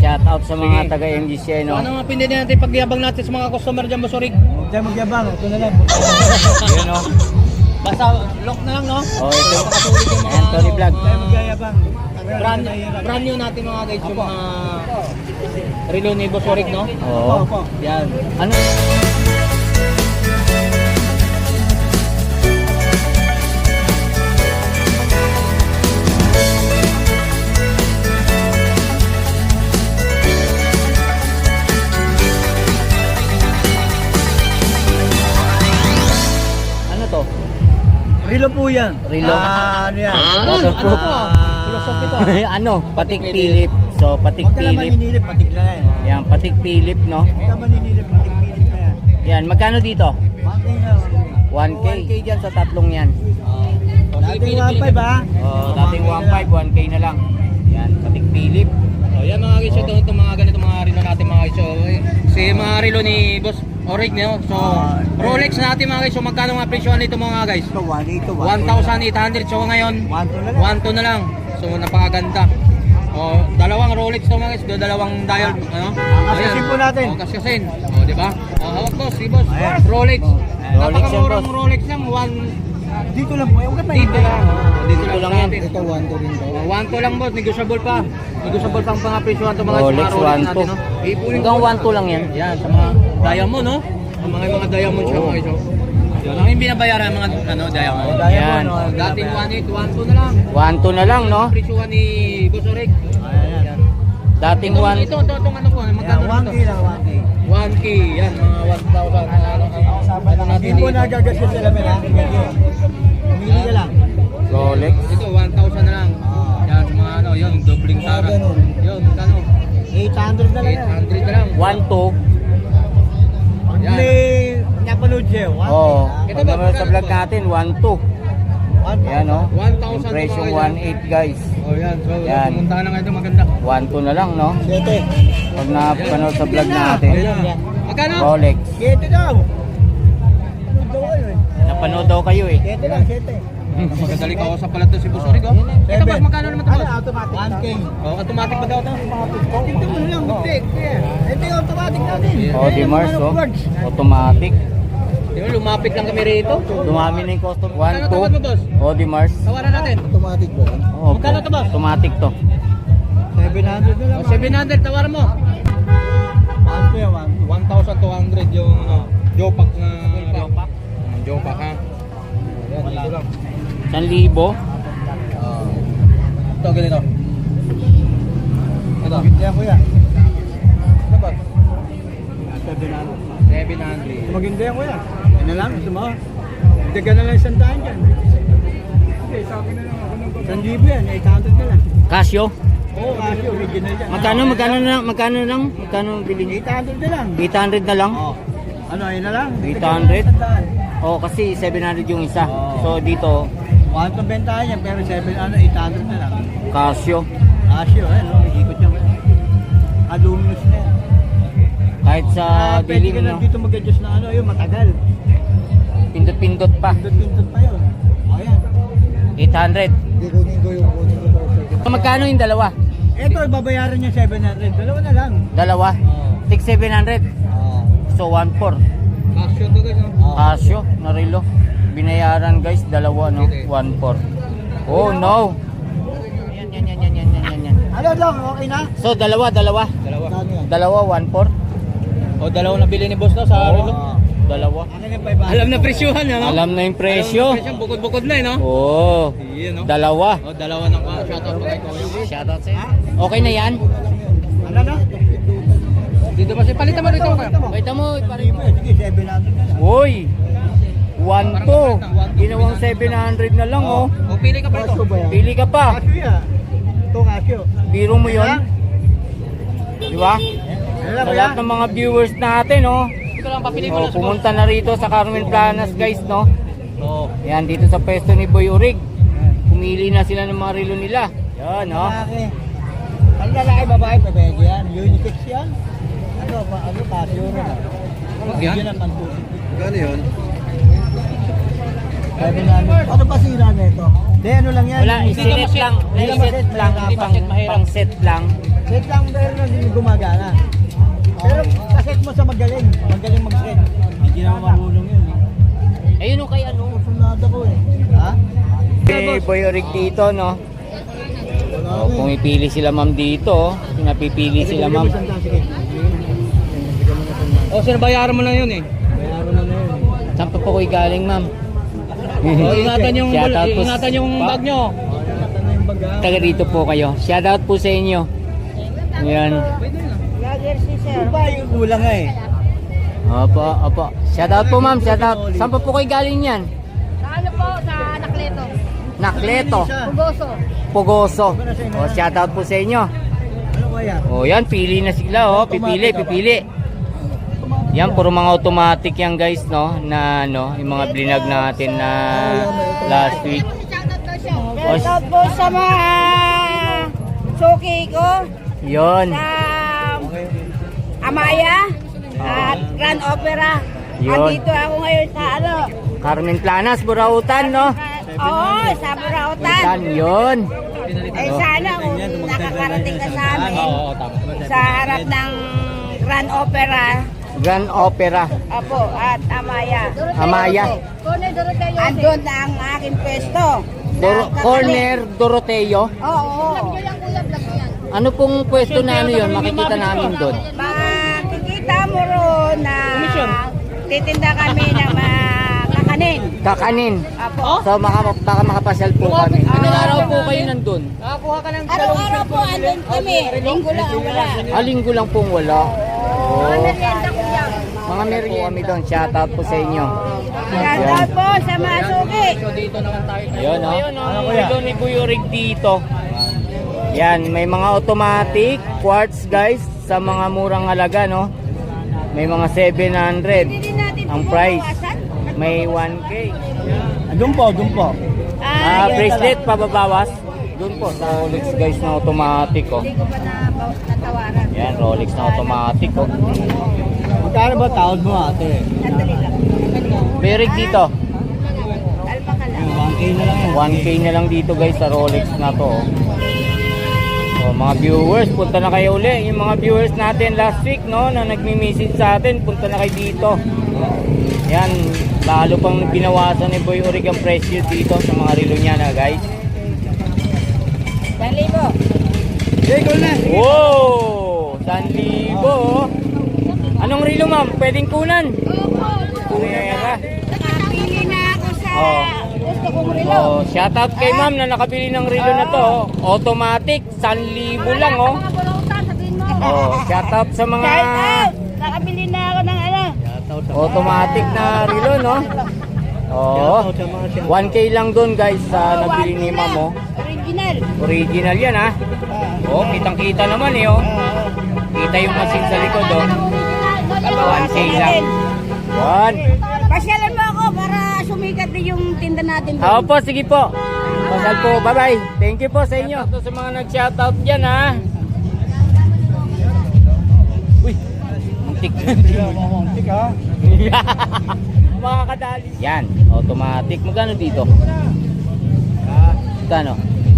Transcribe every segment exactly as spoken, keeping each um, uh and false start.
Shout out sa mga Sige. taga M G C I, So, no? ano mga pindin natin pagyabang natin sa mga customer dyan, Boss Orig? Huwag tayo magyabang, ito na lang. Yun, no? Basta lock na lang, no? Oh, ito. Pakasulit yung mga Anthony Vlog. Huwag tayo magyayabang. brand, brand new natin mga guys, yung mga relo ni Boss Orig, no? Oo. Opo. Yan. Ano? Ano to? Rilo po yan. Rilo? Ah, ano yan? Waterproof. Ah, Philosophy to. ano? Patik Philip. So, patik Huwag ka lang Philip. maninilip, patik na yan. Yan, patik Philip, no? Huwag ka maninilip, patik pilit na yan. Yan, magkano dito? Bakit na? one K. one K dyan sa tatlong yan. Dating one five ha? Oh, dating one five, one K na lang. Yan, patik Philip. So, yan mga guys, ito, ito mga ganito mga relo natin mga guys. So, eh, si mga relo ni Boss Orig, no? So, Rolex natin mga guys. So, magkano mga presyohan nito mga guys? Ito, one eight to one thousand eight hundred. So, ngayon, one two na lang. one two na lang. So, napakaganda. Oh, dalawang Rolex to mga guys, do dalawang dial, ano? Kaskasin po natin. Oh, kaskasin. Oh, di ba? Oh, hawak boss, si boss. Ayan. Rolex. Rolex yan, Napakamurang boss. Rolex lang, one Dito lang po. Huwag ka dito lang. Oh, dito, Dito lang, lang yan. natin. Ito, one two rin to. Oh, one two lang boss, negotiable pa. Negotiable pang mga presyohan to mga Rolex, mga Rolex one natin, two. no? Ipunin Hanggang one two lang yan. Yan, sa mga diamond, no? Ang mga mga diamond siya mga guys. oh. Yan lang yung binabayaran ng mga ano, diamond. Yan. Oh, dating one eight, one two na lang. one two na lang, no? Presyohan ni Boss Orig. Ayan. Dating Ito, one. ito, ito, itong ano po, Yan, magkano one ito? K lang, one K. one K, yan, mga one thousand. Ano, ano natin Hindi po dito? nagagasya sila men ha? Pumili ka lang. Rolex. Ito, one thousand na lang. Yan, sa mga ano, yun, dobling Mga tara. ganun. Yun, magkano? eight hundred na lang eight yan. hundred na lang. one two. Pag Yan. may napanood siya, one Oo. K. Ito Pag ba, naman sa magkano vlog to? natin, one two. One K. Yan, no? one thousand Impression to mga one eight, guys. Oh, yan. So, Yan. pumunta na nga ito, maganda. one two na lang, no? Siyete. Pag napanood sa vlog natin. Ayan. Magkano? Rolex. Siyete daw. Ano daw kayo eh? Napanood daw kayo eh. Siyete lang, siyete. Magandali ka sa pala to si Boss Orig, oh. Ito, boss, magkano naman ito, Ano, boss? automatic. one K. Oh, automatic ba daw ito? Tingnan mo na lang, butik. Ito yung automatic natin. Oh, di Mars, oh. Automatic. Yun, lumapit lang kami rito. Dumami na yung custom. one Magkano two. tawad mo, boss? Oh, di Mars. Tawaran natin. Automatic ba? Oh, Magkano to, boss? Automatic to. seven hundred na lang. Oh, seven hundred, tawaran mo. one K, one K. one thousand two hundred yung ano, Jopak na Jopak. Jopak ha. Yan, dito lang. one libo. Ito, ganito. Ito. Yan kuya. Ito ba? seven hundred. seven hundred. Maganda yan kuya. Yan na lang, gusto mo? Daga na lang isang daan dyan. Okay, sa akin na lang ako ng isang libo yan, eight hundred na lang. Casio. Oo, kasi original yan. Magkano, magkano na lang, magkano lang, magkano bilhin niyo? eight hundred na lang. eight hundred na lang. Oo. Ano, yun na lang. eight Daga na lang hundred? isang daan. Oh, kasi seven hundred yung isa. Oo. So dito, One to bentahan yan, pero seven, ano, eight hundred na lang. Casio. Casio, eh, no, ikot yan. Aluminous na yan. Kahit sa Ah, pwede dilim, ka na no? dito mag-adjust na ano, yun, matagal. Pindot-pindot pa. Pindot-pindot pa yun. O yan. eight hundred. Hindi kunin ko yung kunin ko para So, magkano yung dalawa? Ito, babayaran niya seven hundred. Dalawa na lang. Dalawa? Oo. six seven hundred. Oo. So one four. Casio to guys, no? Oo. Casio, narilo. Binayaran guys, dalawa no, one four. Oh no. Yan yan yan yan yan yan yan. Ano lang, okay na? So dalawa, dalawa. Dalawa. Kano yan? Dalawa, one four. O, dalawa na bili ni boss no sa Oo. relo. Dalawa. Akin yung five hundred. Alam na presyohan niya, no? Alam na yung presyo. Alam na presyo, bukod-bukod na eh, no? Oh. Iyan, no? Dalawa. O, dalawa ng uh, shoutout pa kay Kuya. Shoutout sa'yo. Okay na yan? Ano na? Dito ba siya? Palitan mo rito. Kuya. Kita mo, Libo, sige, seven hundred na lang. Uy! one two. Ginawang seven hundred na lang oh. O, pili ka pa ito. Casio ba yan? Pili ka pa. Casio yan. Ito, Casio. Biro mo yun. Di ba? Ano Sa lang lahat yan? ng mga viewers natin, oh. Ito lang, papili mo Oh, lang sa boss. pumunta na rito sa Carmen Planas, guys, no? Oo. Yan, dito sa pwesto ni Boy Urig. Pumili na sila ng mga relo nila. Yan, no? Lalaki. Ang lalaki, babae, pwede yan. Unisex yan. Ano, pa, ano, Casio rin. ah. Yan? Yan ang pantusik. Gano'n yun? seven hundred. Ano pa sira nito? Hindi, ano lang yan. Wala, Hindi isinet ka maset. lang. Hindi ka Iset maset, lang. mahirapan. Pang, pang set lang. Set lang, pero hindi gumagana. Pero kaset mo sa magaling. Magaling mag-set. Hindi na marunong yun. Ayun o kay ano. Sunada ko eh. Ha? Hey, Boy Orig dito, no? Oh, pumipili sila ma'am dito. oh. Pinapipili sila ma'am. O, sir, bayaran mo lang yun eh. Bayaran mo na yun. Saan pa po kayo galing ma'am? O, ingatan yung, Shout out po- ingatan yung bag nyo. Ito na yung baga. Taga rito po kayo. Shoutout po sa inyo. Ayan. Yung ba yung kulang nga eh. Opo, opo. Shoutout po ma'am, shoutout. Saan pa po kayo galing yan? Sa ano po? Sa Nakleto. Nakleto, Pugoso. Pugoso. O, shoutout po sa inyo. Ano kaya? O, yan, pili na sila, oh. Pipili, pipili. Yan, puro mga automatic yan, guys, no? Na, ano, yung mga blinag natin na last week. O, Shoutout po sa mga suki ko. yun. Sa Amaya at Grand Opera. Yun. Andito ako ngayon sa ano. Carmen Planas, Burautan, no? Oo, sa Burautan. Yan, yun. Eh sana kung nakakarating ka sa amin Oo, tama. sa harap ng Grand Opera. Grand Opera. Apo, at Amaya. Amaya. Andun na ang aking pwesto. Dor- Corner Doroteo. Oo. Ano pong pwesto na ano yun? Makikita namin doon. Makikita mo ron na titinda kami ng mga kakanin. Kakanin. Apo. So maka, baka makapasyal po kami. Anong Ah. araw po kayo nandun? Nakakuha ka ng Araw-araw po andun kami. Linggo lang ang wala. Ah, linggo lang pong wala. Oh. Merienda ko yan. Mga merienda kami doon. Shoutout po sa inyo. Shoutout po sa mga suki. So, dito naman tayo. Ayun, no? Ano Ano kuya? Ito ni Buyorig dito. Yan, may mga automatic quartz, guys, sa mga murang halaga, no? May mga seven hundred. Hindi natin Ang price. bumawasan. May one K. Doon po, doon po. Ah, yun. bracelet pababawas. Doon po sa Rolex, guys, na automatic, oh. Hindi ko pa na, natawaran. Yan, Rolex na automatic, oh. Magkano ba tawad mo ate? Sandali lang. Buyorig dito. Alpa ka lang. one K na lang yan. one K na lang dito, guys, sa Rolex na to, oh. So, mga viewers, punta na kayo uli. Yung mga viewers natin last week, no, na nagmi-message sa atin, punta na kayo dito. Yan, lalo pang binawasan ni Boy Orig ang presyo dito sa mga relo niya na, guys. Sandali po. Okay, go na. Wow! one thousand oh. Anong relo, ma'am? Pwedeng kunan? Kunera. Nakapili na ako sa Oo. gusto kong relo. Oh, shoutout kay ma'am na nakabili ng relo na to. oh. Automatic, one thousand lang, oh. Mga bulautan, sabihin mo. Oh, shoutout sa mga Shout out! Nakabili na ako ng ano. automatic na relo, no? Oh, one K lang doon, guys, sa nabili ni ma'am, oh. Original. Original yan, ha? Oh, kitang-kita naman, eh, oh. Kita yung machine sa likod, oh. one K lang. One. Pasyalan mo ako para sumikat din yung tinda natin doon. Ako po, sige po. Pasal po, bye-bye. Thank you po sa inyo. Ito sa mga nag-shoutout dyan, ha? Uy, muntik. Muntik ha. Mga kadali. Yan, automatic. Magkano dito? Magkano?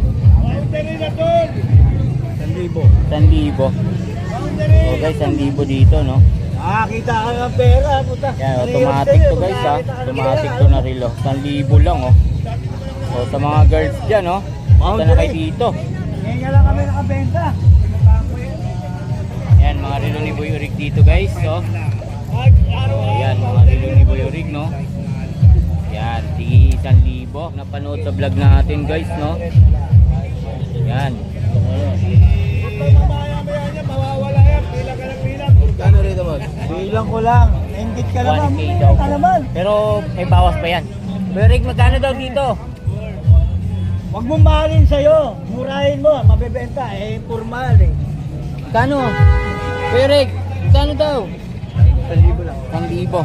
one libo. one libo. So guys, one libo dito, no? Ah, kita ka ng pera, puta. Yan, automatic to, guys, ha? Automatic to na relo. one libo lang, oh. So sa mga girls dyan, oh. Punta na kayo dito. Ngayon nga lang kami nakabenta. Yan, mga relo ni Boy Orig dito, guys, so. Yan, mga relo ni Boy Orig, no? Yan, tigi one libo. Napanood sa vlog natin, guys, no? Yan. Kano rito mo? Bilang ko lang. Nainggit ka naman. one K daw Ka po. naman. Pero may bawas pa yan. Boy Orig, magkano daw dito? Huwag mong mahalin sa'yo. Murahin mo. Mabebenta. Eh, formal eh. Kano? Boy Orig, magkano daw? one libo lang. one libo.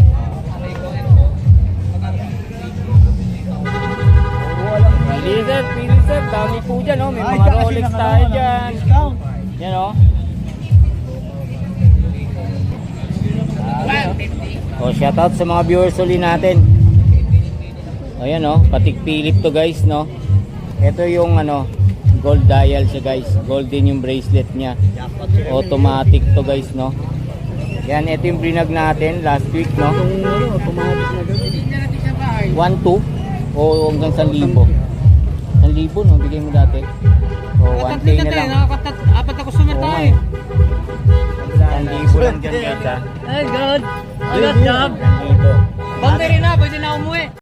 Pili sir, pili sir. Dami po dyan, oh. May mga Rolex tayo dyan. Discount. Yan, oh. Oh, shoutout sa mga viewers uli natin. Ayan oh, patik Philip to guys, no. Ito yung ano, gold dial siya guys. Golden yung bracelet niya. Automatic to guys, no. Yan, ito yung brinag natin last week, no. Itong ano, automatic na gawin. one two o hanggang one thousand. one thousand no, bigay mo dati. O one K na lang. Nakakatat, apat na customer Oo nga tayo. eh. one thousand lang dyan guys ha. Ay, God. Good job. one thousand. Boundary na, pwede na umuwi.